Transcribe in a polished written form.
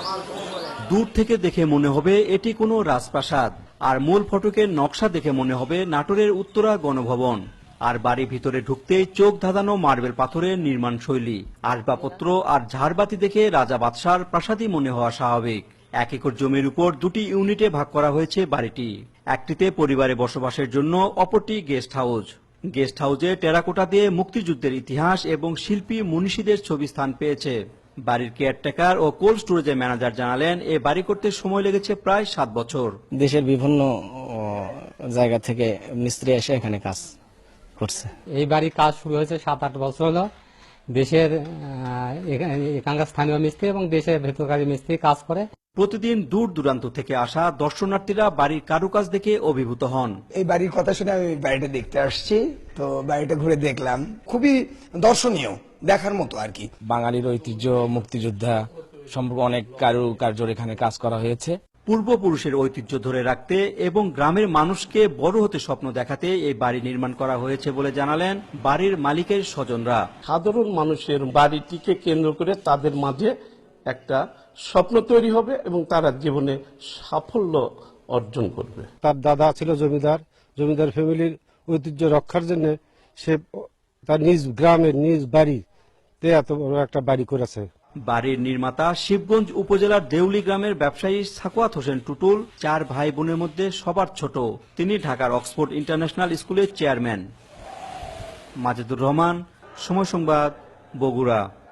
দূর থেকে দেখে মনে হবে এটি কোনো রাজপ্রাসাদ, আর মূল ফটকের নকশা দেখে মনে হবে নাটোরের উত্তরা গণভবন। আর বাড়ি ভিতরে ঢুকতেই চোখ ধাঁধানো মার্বেল পাথরের নির্মাণ শৈলী, আসবাবপত্র আর ঝাড়বাতি দেখে রাজা বাদশার প্রাসাদই মনে হওয়া স্বাভাবিক। 1 একর জমির উপর 2টি ইউনিটে ভাগ করা হয়েছে বাড়িটি। একটিতে পরিবারে বসবাসের জন্য, অপরটি গেস্ট হাউস। গেস্ট হাউসে টেরাকোটা দিয়ে মুক্তিযুদ্ধের ইতিহাস এবং শিল্পী মনীষীদের ছবি স্থান পেয়েছে। বাড়ির কেয়ারটেকার ও কোল্ড স্টোরেজের ম্যানেজার জানালেন, এ বাড়ি করতে সময় লেগেছে প্রায় 7 বছর। দেশের বিভিন্ন জায়গা থেকে মিস্ত্রি এসে এখানে কাজ করছে। এই বাড়ির কাজ শুরু হয়েছে 7-8 বছর হলো। দেশের এখানকার স্থানীয় মিস্ত্রি এবং দেশের ভেতরকারী মিস্ত্রি কাজ করে। প্রতিদিন দূর দূরান্ত থেকে আসা দর্শনার্থীরা বাড়ির কারুকাজ দেখে অভিভূত হন। এই বাড়ির কথা শুনে আমি বাড়িটা দেখতে আসছি, তো বাড়িটা ঘুরে দেখলাম, খুবই দর্শনীয়, দেখার মতো আর কি। বাঙালির ঐতিহ্য, মুক্তিযোদ্ধা সম্পর্কে অনেক কারুকার্যের এখানে কাজ করা হয়েছে। পূর্বপুরুষের ঐতিহ্য ধরে রাখতে এবং গ্রামের মানুষকে বড় হতে স্বপ্ন দেখাতে এই বাড়ি নির্মাণ করা হয়েছে বলে জানালেন বাড়ির মালিকের স্বজনরা। সাধারণ মানুষের বাড়িটিকে কেন্দ্র করে তাদের মাঝে একটা স্বপ্ন তৈরি হবে এবং তারা জীবনে সাফল্য অর্জন করবে। তার দাদা ছিল জমিদার, জমিদার ফ্যামিলির ঐতিহ্য রক্ষার জন্য সে তার নিজ গ্রামের নিজ বাড়িতে এত বড় একটা বাড়ি করেছে। বাড়ির নির্মাতা শিবগঞ্জ উপজেলার দেউলি গ্রামের ব্যবসায়ী সাকুয়াত হোসেন টুটুল। 4 ভাই বোনের মধ্যে সবার ছোট। তিনি ঢাকার অক্সফোর্ড ইন্টারন্যাশনাল স্কুলের চেয়ারম্যান। মাজেদুর রহমান, সময় সংবাদ, বগুড়া।